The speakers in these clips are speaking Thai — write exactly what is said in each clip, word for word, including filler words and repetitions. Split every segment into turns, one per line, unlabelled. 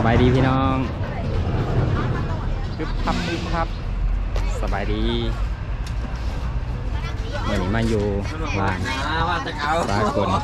บายดีพี่น้องคึบพับคึบพับสบายดีเมื่อนี้มาอยู่ร้านสากล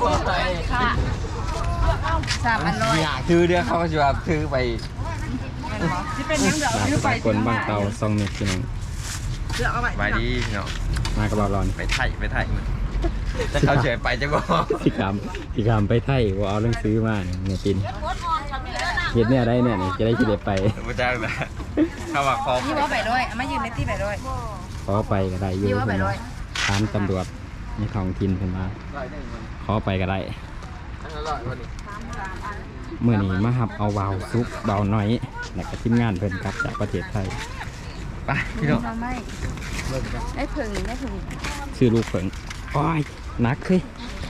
สามอันร้อย
อยากถือเด้อเขาจะแบบถือไป
ที่เป็นยังเดือด
ร้าน
ยื้อไป
สากลบางเตาซองเม็ดพี่น้อง
เลือกเอาไป
ไปดีเนาะ
มากระบอกร้อน
ไปไทยไปไทยมันจะเขาเฉยไปจะบอก
พี่คำพี่คำไปไทยว่าเอาเรื่องซื้อมาเนี่ยปินเห็ดเนี่ยได้เนี่ยนี่จะได้คิดเด็ดไป
พระเจ้านะเข้ามาคอ
ยี่ว่าไปด้วยเอามายืนในที่ไปด้วย
ขอไปก็ได้อยู่
ยี่ว่าไป
เพิ่น
ด้วย
ถามตำรวจในท้องถิ่นเพิ่นมาขอไปก็ได้เมื่อนี้มาหับเอาวาวซุปเบาน้อยแล้วก็ทีมงานเพิ่นครับจากประเทศไทย
ไปพี่น้อง
เราไม่ได้ผึ่งได้ผึ่ง
ชื่อลูกเพิ่นโอ้ยหนักเลย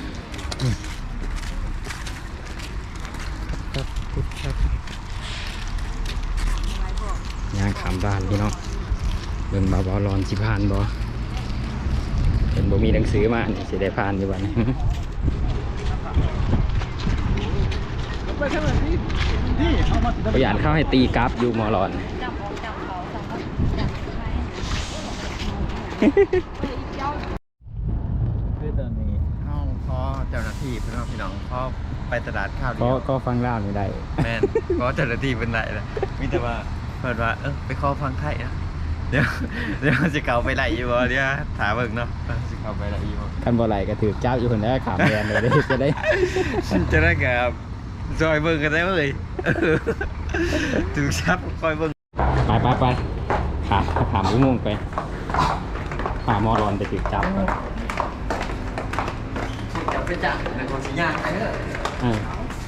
ย่างขามบ้านพี่น้องเบิ่งบ่าวๆร้อนสิผ่านบ่เห็นบ่มีหนังสือมานี่สิได้ผ่านอยู่บ่นี่ พยานเข้าให้ตีกราฟอยู่มอลอน
คือตอนนี้เข้าพอเจ้าหน้าที่พี่น้องพี่น้องพอไปตลาดข้าวเดี
ก็
ยว
ก็ฟังเล่าไม่ได้
แม่นเพราะเจ้าหน้าที่เป็นไรนะมิแต่ว่าเพิ่นว่าเออไปขอฟังไทยนะเดี๋ยวเดี๋ยวจะเก่าไปไหลอยู่บ่เดี๋ยวถามเบิ่งเนาะจะเก่าไปไหลอยู่บ่
คันบ่ไหลก็ถือเจ้าอยู่คนแรกขามแดนเลยได้จะได้
จะได้กับจอยเบิ่งกันได้เลยถึงชับคอยเบิ่ง
ไปไปไปขาขามอุโมงค์ไปขามอลอนไปถือจับก่อน
จะไปจับในคนสิยากไปเด้อ
เออ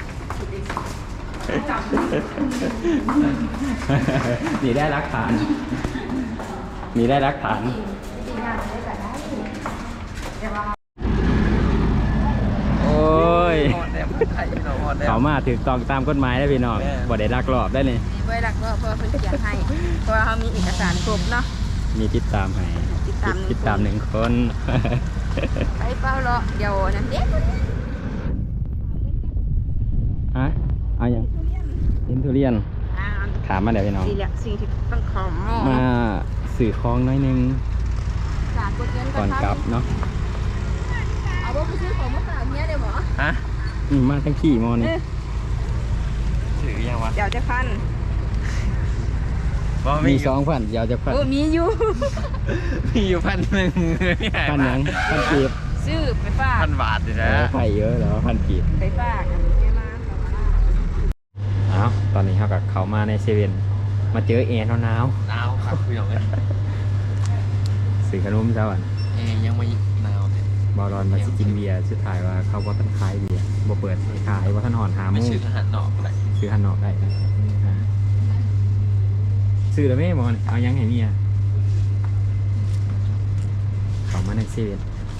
นี่ได้รักฐานนี่ได้รักฐานโอ้ย
ฮอดแล้วไทยเราฮอดแล้ว
เขามาถือต้องตามกฎหมายได้พี่น้อง
แม่
บ่ได้ลักลอบได้เลย
มีไว้หลักก็เพื่อเพื่อเขียนให้เพราะเขามีเอกสารครบเนาะ
มีติดตามให้
ติดตามหนึ่ง
ติดตามหนึ่งคน
ไปเป้าเลาะเดี๋ยวนั่นเด็ก
ฮะเอาอย่างเห็นทุเรียน
อ่า
ถามมาเดี๋ยวพี่น้อง
สี่แหละสิ่งที่ต้องขอ
มาสื่อคลองน้อยหนึง
สารกดเงิน
ก่อนกลับเนาะ
เอาว่าไปซื้อของมาฝากเนี้ยเดี๋ยวหมอ
ฮะ
อืมมาทั้งขี่มอนี่
ถือยังวะ
เดี๋ยวจะพัน
บ่
มีสองพันเดี๋ยวจะพัน
โอ้มีอยู่
มีอยู่พันหนึ่ง
พันหยังพันกีบ
ซื้อไปฝาก
พันบาทอยู่นะ
โอ้ไข่เยอะแล้วพันกีบ
ไปฝากกันแค่มา
อ้าวตอนนี้เขากับเขามาในเซเว่นมาเจอแอร์หนาว
หนาวครับพี่น้องเอ้ย
ๆสื่อขนมเจ้าอัน
เอ้ยยังไม่หนาวเลย
บอลอนมาสิกินเบียร์สุดท้ายว่าเขาว่าท่านขายเบียร์บ่เปิดให้ขายว่าท่านหอนหาโม
ไม่
ง
ซื้อทหารนอกอะไร
ซื้อฮันนอกได้นะซื้อแล้วไม่มอนเอายังให้เมียเขามาในเซเว่น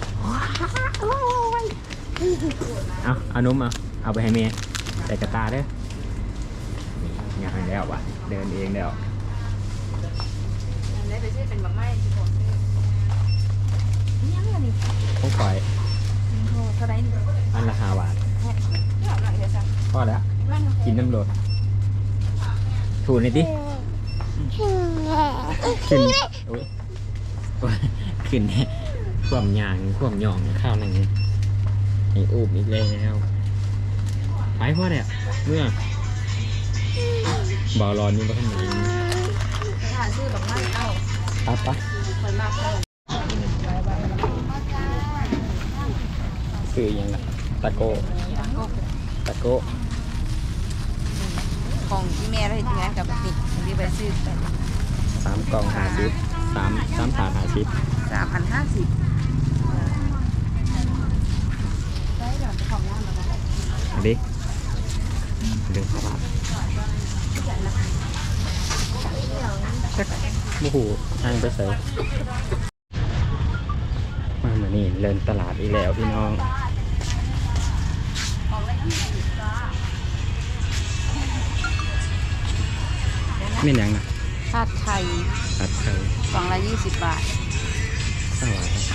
เอาเอานมเอาเอาไปให้เมียใส่กระตาเด้องานแล้ววะเดินเองแล้ว
ได้ไปซื้อเป็นบางไม้ที่ผมซื้อนี่ยังไงนี่
พวกคอย
โอ้เท่าไรนี่
อันละห้าบาท
เดี๋ยวหน่อยเดี๋ยวสั่ง
พอแล้วกินน้ำรดถูนี่ดิขึ้นโอ้ยขึ้นความยางความหย่องข้าวนั่นไงไอ้อูบอีกแล้วไปพ่อเนี่ยเมื่อบอลอนนี่มาข้างใน
ไปหาซื้อบางไม้เอ้า
ปั๊บปะ
คนมากเลย
ซื้อยังไงตะโกตะโก
ของที่แม่เราเห็นงานกับติดที่ไปซื้อไป
สามกล่องหาซิปสามสามถาดหาซิป
สามพันห้าสิบได้เดี๋ยวจะของน้ำมาแล้ว
อันนี้เรื่องขาวโอ้โหทางไปใส่มาเหมือนนี่เดินตลาดอีกแล้วพี่น้องไม่ยังนะ
ชาติไทย
ผัดไทย
กล่องละยี่สิบบาท
สวัสดี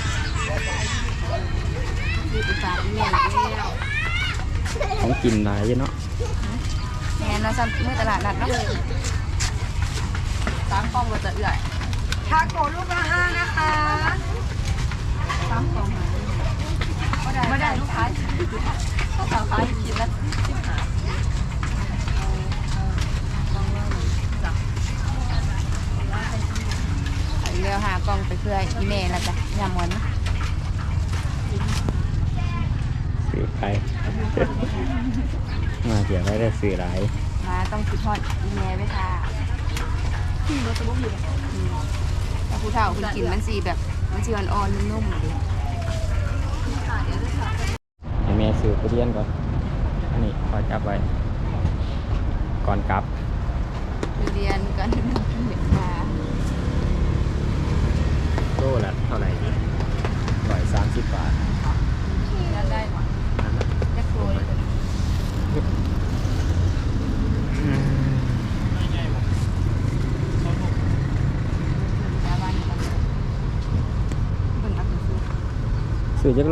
ยี่สิบบาทแม่แล้ว
ของกินหลายเยอะเนาะ
แม่เราซ้ำเมื่อตลาดนัดเนาะสามกล่องเราจะเอื่อยทาโกลูกละห้านะคะสามกล่องไม่ได้ลูกค้าถ้าสาวค้ากินแล้วสิบห้าเร็วหากล่องไปเพื่ออีเมลแล้วจ้ะยำวัน
สื่อใคร มาเดี๋ยวไม่ได้สื่อหลาย
มาต้องคิดทอดอีเมลไว้ค่ะที่รถจะบุกอยู่แต่ผู้เฒ่าคุณกินมันสีแบบมันสีอ่อนๆนุ่มๆเลย
ให้แม่ซื้อทุเรียนก่อนอันนี้ขอจับไว้ ก่อนกลับ
เรียนกันเด็กมา
โลละเท่าไหร่ร้อยสามสิบบาท
แล้วได้หมด
นั่นนะ
แค่โรยแล้วบ้านนี้มันเป็นอัพเป็นซื้อ
สื่อจักโล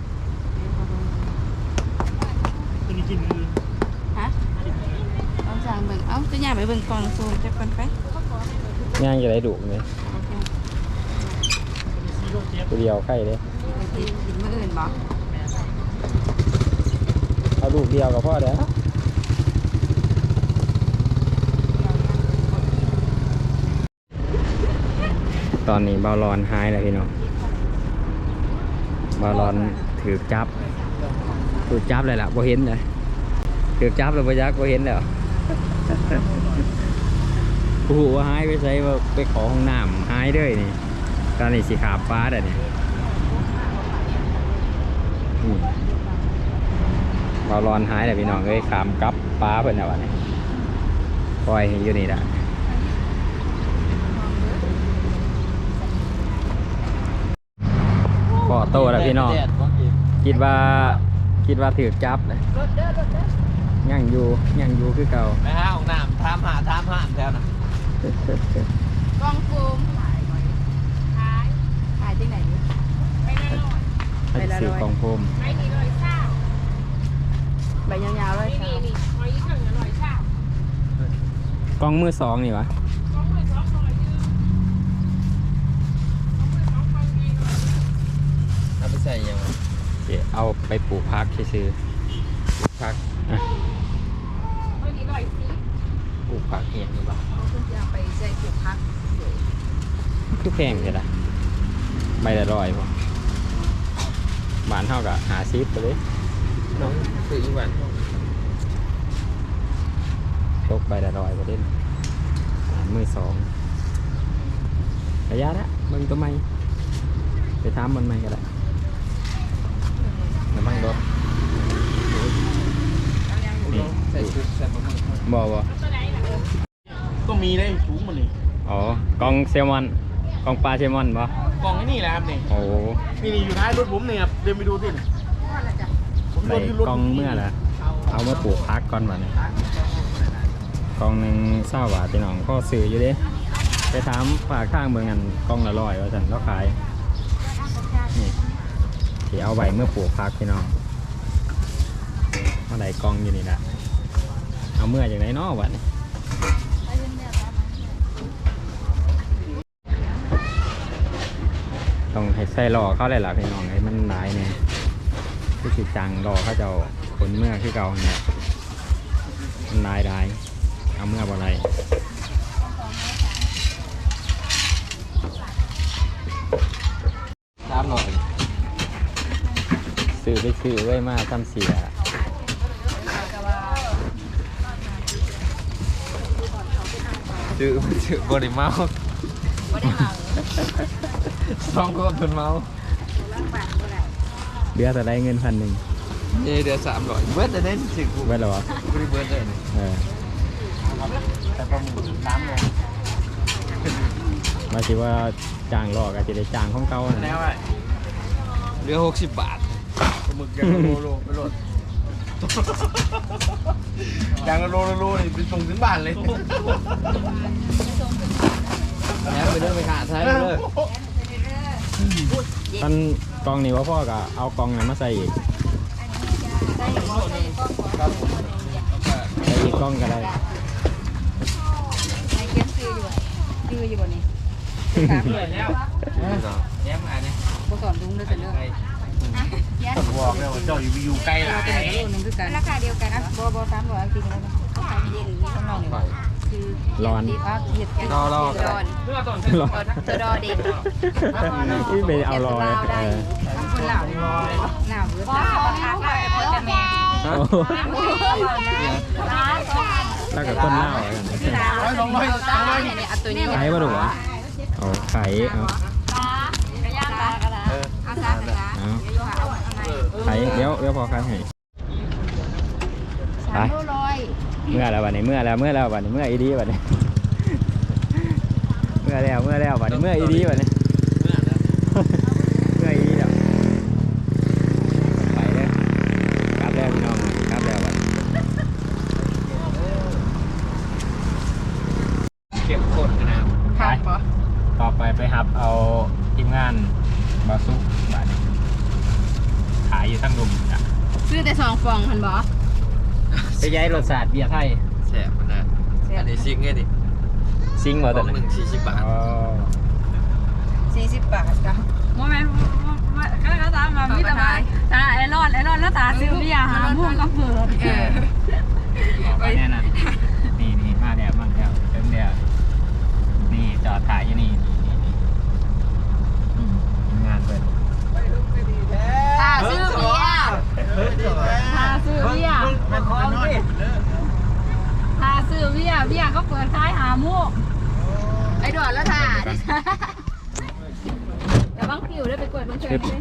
ฮะเอาสั่งเบิ่งเอ้าจะย่าไปเบิ่งกล่องซูมจะกันไป
ย่างจะได้ดุเลยตัวเดียวไข่เลย
กินกินมื้ออื่นบ่
เอาลูกเดียวกับพ่อเด้อตอนนี้บอลลอนหายแล้วพี่น้องบอลลอนถือจับถือจับเลยล่ะบ่เห็นเลยถือจับเลยบ่ยักบ่เห็นแล้วโอ้โหว่าหายไปใส่ว่าไปขอห้องน้ำหายเด้ยนี่ตอนนี้สีขาฟ้าเด้อนี่อืมบอลลอนหายแล้วพี่น้องเอ้ยขามกลับป้าเพิ่นแล้ววะนี่ปล่อยให้อยู่นี่ล่ะพอโตแล้วพี่น้องคิดว่าคิดว่าถือจับเลยยังอยู่ยังอยู่คือเก่า
ไปหาห้องน้ำทามหาทามห้ามแถวน่ะ
กล่องซูมขายขายขายที่ไหนดิไปละร้อย
ไปซื้อกองโฟม
ไม่มีร้อยเช้าใบยาวๆเลยค่ะ
กองมือสองนี่วะ
เอาไปใส่ยังไง
เดี๋ยวเอาไปปลูกพักซื้อๆปลูกพักอ่ะ
ปลูกผักเห็ดหรือเปล่า
คุณจะไปใส่ถุงพัก
คือแพงใช่ไหมใบละร้อยป่ะบ้านเท่ากับหาซิปไปเลย
น้องซื้ออีกวัน
ตกใบละร้อยประเด็นมือสองระยะละมึงตัวไม่ไปทำมันไม่ก็ได้น้ำมันรถนี่
ใส่ชุดใส่ปลาหมึก
บ่บ่
ก็มีได้สูงมันนี่
อ๋อกองเซลมอนกองปลาเซลมอนบ่
กล่องไอ้นี่แหละครับนี่
โอ้
นี่นี่อยู่ท้ายรถผมเนี่ยครับเดินไปดูสิผม
ใส่
โดนที่รถ
กองเมื่อละเอามาปลูกพักก่อนวะเนี่ยกองหนึ่งเศร้าบาทพี่น้องก็ซื้ออยู่เด้ไปถามฝากข้างเมืองกันกองละร้อยว่าจันแล้วขายนี่ที่เอาไว้เมื่อปลูกพักพี่น้องเมื่อไหร่กองอยู่นี่แหละเอาเมื่อจากไหนเนาะวะนี่ต้องให้ใส่รอเข้าเลยล่ะพี่น้องให้มันหลายเนี่ยคือสิจังรอเขาจะเอาผลเมื่อคือเก่าเนี่ยมันหลายได้เอาเมื่อบ่ไรตามหน่อยซื้อไปซื้อไว้มาทำเสีย
ซื้อซื้อบริเมา
ไม่ได้เมา
สองคนเป็นเมา
เดือนแต่ได้เงินพันหนึ่ง
เอเดือนสามร้อยเบิร์ดจะได้สิบกู
ไว้หรอวะ
กูได้เบิร์ดเลยนี่
เออ
แต่ปลาหมึกน้ำเลย
มาคิดว่าจ้างรอกอาจจะได้จ้างของเก่า
แล้
นะ
วไอ้
เหลือหกสิบบาท
ปลาหมึกอย่างละโลโลไปโหลดอย่างละโลโลโลนี่ไปส่งถึงบ้านเลย
แล้วไปเดินไปขาดใช่เลย
ท่านกองนี้ว่าพ่อก็เอากองนั้นมาใส่อีก
ได้หมดเลย
ครับผม
ใส่อีกกล้องก็ได้
ไอ้เขียนซื้ออยู่ซื้ออยู่บ่นี่ถามเลยแล้ว
แย้มอันนี้
บ่สอนลุงด้วยแต่เด้อยัน
บอกแล้วว่าเจ้าอยู่อยู่ใกล้หลาย
เป็นโลนึงคือกันราคาเดียวกันนะบ่บ่สามร้อยจริงแล้วนะเขาขายเย็นนี่ข้างนอกนี่คือ
ร้อน
ดีพักเห็ด
รอรอ
ร้อน
ร้อน
เธอรอเด็ก
นี่ไปเอารอเลยเออ
คนเหล่าหนาวเยอะมากราคาเปิดแต่แม่
โอ้แล้วก็ต้นเหล้าอะไรกัน
ร้อยสองร้อยสองร้อย
เนี่ยเอาตัวนี้
ไข่บ่ถูกวะเอาไข่เอา
กระย่างตากระดาษเอาซะกระดาษ
เอา
เอาอะไร
ไข่เดี๋ยวเดี๋ยวพอไข่ให้
สามร้อย
เมื่อแล้ววันนี้เมื่อแล้วเมื่อแล้ววันนี้เมื่ออีดีวันนี้เมื่อแล้วเมื่อแล้ววันนี้เมื่ออีดีวันนี้เมื่ออีดีแล้วไปเลยกลับแล้วพี่น้องกลับแล้ววันเก็บกดนะครับ
ครับปะ
ต่อไปไปหับเอาทีมงานบาซุกบาทขายอยู่ทั้งลุมจ้ะ
ซื้อแต่สองฟองหันบอ
ไปย้ายรสชาติเบียร์ไทย
แสบมันนะอันนี้ซิงไงดิ
ซิงบ่
ก
ตั
ล่
ว
องหนึ่งสี่สิบบาท
อ๋อ
สี่สิบบาทจ้ะ
โมเมนต์ก็ก็ตามมามีแต่ว่าตาไอรอนไอรอนแล้วตาซื้อเบียร์หาม่วงก็เปิด
เออ
ไปแน่นอนนี่นี่มาแล้วมาแล้วเต็มแล้วนี่จอดถ่ายอยู่นี่นี่นี่ทีมงานเปิด
ตาซื้อเบียร์
ตาซื้อเบียร์ตาซื้อเบียร์เบียร์ก็เปิดขายหาม่วง
ไอ้ดอนแล้วถ่า
แต่บางคิวได้ไปกดบางเชิญเลย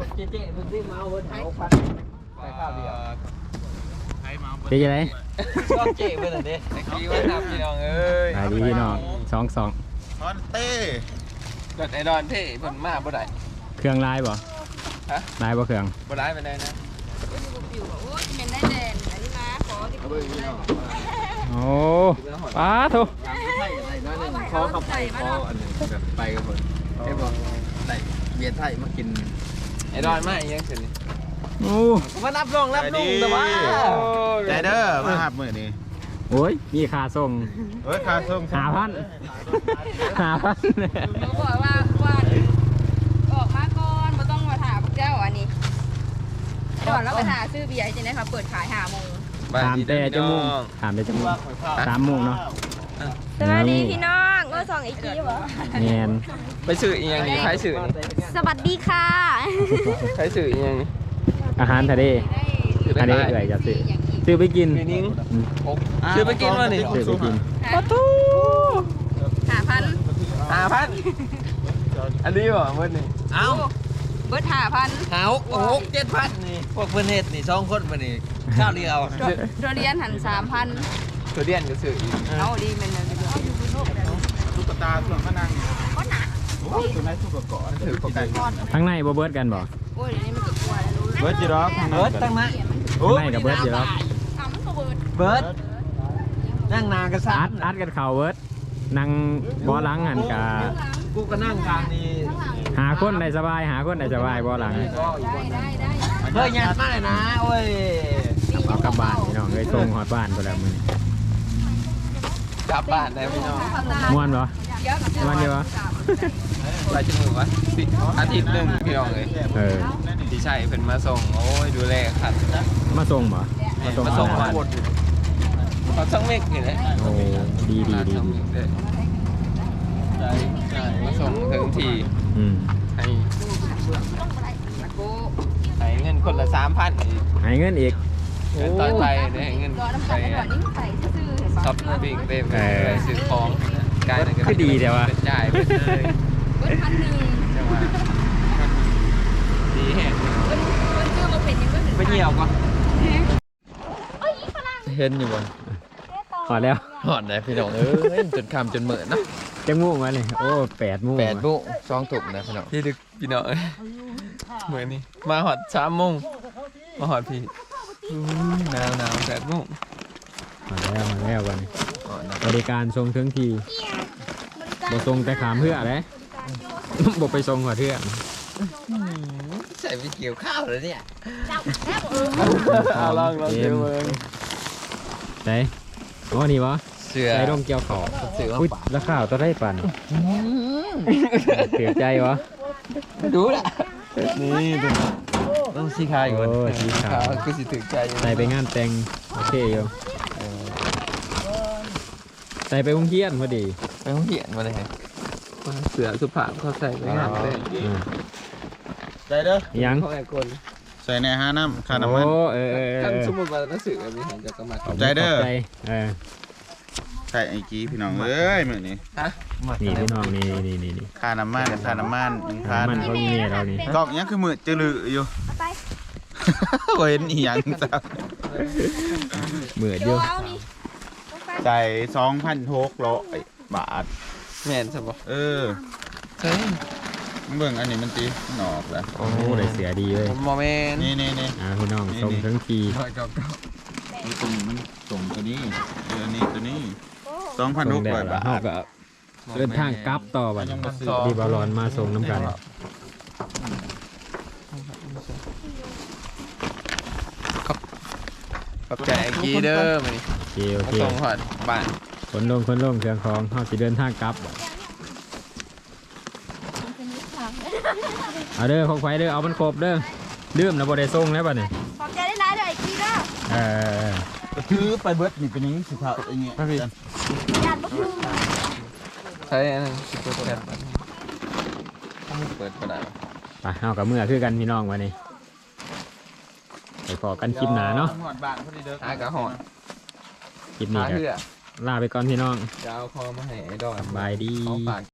เจ๊จะไร
ชอบเจ๊เพื่อนเด้ไอ้กี้ว่าทำพี่น้องเอ้ย
ถ่ายดีพี่น้องสองสอง
ฮอนเต้
เกิดไอดอนเท่เพิ่นมาบ่ได้
เครื่องลายบ่
ฮะ
ลายบ่เครื่อง
บ่ได้ไปได้นะ
โอ้ยเป็นได้เด่นอันนี้มาขอที่
เอาเบิ่งพี่น้อง
โอ้ป้าโถ
ขอขับไปขออันนึงแบบไปกับเพิ่นไอ้บ่ได้เบียร์ไทยมากินไอดอนมาอีหยังสิ
โอ้
มารับรองรับลุงแต่ว่า
ใจเด้อมาหับมือนี่
โอ้ยมีค่าส่ง
เฮ้ยคาส่ง
หาพันหาพัน
เขาบอกว่าว่าออกมาก่อนไม่ต้องมาถามพวกเจ้าอันนี้ดอนแล้วไปหาซื้อเบียร์จริงๆค่ะเปิดขายหาโมง
ถามแต่จมูกถามแต่จมูกสามโมงเนาะ
สวัสดีพี่น้องก็ส่องอีกทีเหรอ
แงน
ไปสื่ออีหยังนี่ใครสื่อนี่
สวัสดีค่ะ
ใครสื่ออีหยังนี่
อาหารทะเลอันนี้เอื่อยจะซื้อซื้อไปกิน
พี่นิ้ง
อืม
ซื้อไปกินมานี่
ซื้อไปกิน
ประตูหาพัน
ห้าพันอันนี้บ่เมื่อนี่เอ้า
เบิร์ดหาพัน
หาหกหกเจ็ดพันนี่พวกเพื่อนเฮ็ดนี่สองคนมานี่ข้าวเดียว
ตัวเรียนหันสามพัน
ตัวเดียนก็ซื้ออีก
เอาดีมันเลย
ตุ๊กตาส่วนมะนางโอ้ยตัวไหนตุ๊กตาถือปกติ
ทั้งในบ่เบิดกันบ่
โอ้ยเดี๋ยวนี้มันก็กลัวแล้วรู้
เบิร์ดจีร็อก
เบิร์ดตั้งนะ
ทั้งในกับเบิดอยู่แล้ว
ทำมันก็เบิร์ด
เบิร์ดนั่งนานกันซะ
อัดอัดกันเข่าเบิดนั่งบ่อหลังหันกะ
กูก็นั่งทางนี้
หาคนได้สบายหาคนได้สบายบ่อหลัง
ได้ได้ได้
เฮ้ยยันมากเลยนะโอ้ย
เอากลับบ้านพี่น้องเลยส่งฮอดบ้านไปแล้วมื้อก
ลับบ้านได้พี่น้อง
ม่วนบ่ม่วนอยู่บ่
ไปจมูกวะสิอาทิตย์หนึ่งพี่น้องเลย
เออ
พี่ชัยเป็นมาส่งโอ้ยดูแลขัด
มาส่งบ่มาส่ง
มาส่ง
บ้าน
หมดเขาช่างเมฆนี่เลย
โอ้ดีดีดี
ช่างเมฆเลยมาส่งถึงที
อืม
ให้ให้เงินคนละสามพัน
ให้เงินอีก
เงินตอนไปได้ให้เงิน
รอน้ำ
ไป
ตาลหน่อยนี่ใส่ซื่อเห็น
ช็อ
ปะ
ปปิ้งเต็มเลยซื้อของกายนั่นก็
คือดีแต่ว่า
เป็นจ่ายไปเลย
เบิร์ดพันหนึ่ง
จังหวะดีแฮะ
เบิร์ดเบิร์ดซื้อมาเป็นยังเบิร์ดหนึ่ง
ไปเหี่ยวก่อนเห็นอยู่บน
พอแล้ว
หอดได้พี่น้องเอ้ยจนคำจนเหมือนเนาะ
จังมูกมาเลยโอ้แปดโมง
แปดโมงสองถุงนะพี่น้องพี่ดึกพี่น้องเอ้ยเหมือนนี่มาหอดสามโมงมาหอดพี่อุ้ยหนาวหนาวแปดโมง
มาแล้วมาแล้ววันนี้
หอดนะ
บริการทรงถึงทีบ่ทรงแต่ขามเพื่ออะไร บ่ไปทรงหัวเทือก
ใส่ไปเกี่ยวข้าวเลยเนี่ย
เอาลองลองเดี๋ยวเบิ่ง ไหนอ๋อนี่วะ
เสือ
ใจร่มเกี่ยวขอบ
เสือ
อุ้ยราคาตัวได้ปันเสียใจวะ
ดูละนี่ตัวต้องสีขาวอยู่
โอ้สีขาว
คือสิถึงใจ
ใส่ไปงานแต่งโอเคอยู่ใส่ไปวงเทียนพอดี
ไปห้องเหียนมาเลยเสือสุภาพเขาใส่ไปงานเลย
อืม
ใจเด้อ
ยัง
เขาแอบกล
ใส่ในห้าน้ำค่าน้ำมัน
โอ้เออเออเอ
ขั้น
อ
สมมติว่าหนังสือมีหันจะกระมัด
ขอบใจเด้อ
ขบใจเออ
ใส่ไอ้กี้พี่น้องเอ้ยมื้อนี้
ฮะ
นี่พี่น้องนี่นี่นี่นี่
ค่าน้ำมันค่าน้ำมันหนึ่งพัน
มันเขามีเมียเรานี่
กล้องยังคือมือจืลืออยู่
เอาไป
บ่เห็นอีหยังจ้ะ
เหมือด
โย
เดียว
เอานี่เอาไป
ใส่สองพันหกร้อยบาท
แม่นใช่ปะ
เออ
ใช่
เบิ่งอันนี้มันตีมันออกแล้ว
โอ้ได้เสียดีเลย
โมเมนต์
นี่นี่นี่
อ่าพี่น้องส่งทั้งที
นี่ตัวนี้มันส่งตัวนี้เออนี่ตัวนี้สองพัน
ส่
ห
ง
ก
แด
ร้อ
ด
ย
แล้ว
บา
เฮา
ท
ก็เดินทางกลับต่อบัดดีบอลลอนมาส่งน้ำกัน
ขอบใจไอ้กีเด้อมานี่
โอเคโอ
มา
เค
ส่งหอดบ้าน
คนลงคนลงเครื่องของเฮาสิเดินทางกลับบ่เอาเด้อของไฟเด้อเอามันครบเด้อลืมนะบ่ได้ส่งแล้วบัดนี้
ขอบใจได้ร้ายเลยไอ้กี้เด้อ
เออ
คือไปเบิดนี่เป็นอยังนี้สิครับอย่างเงี้ย
ญาติบ่คือ
ใช้อันนั้นสิบเปอร์เซ็นต์เปิดก็ได้
ไปเฮากับเมื่อคือกันพี่น้องวันนี้ไปขอกันคลิปหนาเนาะ
หอดบ้านพอดีเด้อ
หากระหอน
คลิปนี้
หา
ก็
เหือ
ลาไปก่อนพี่น้อง
จะเอาคอมาให้ไอ้ดอน
สบายดี
เขาฝาก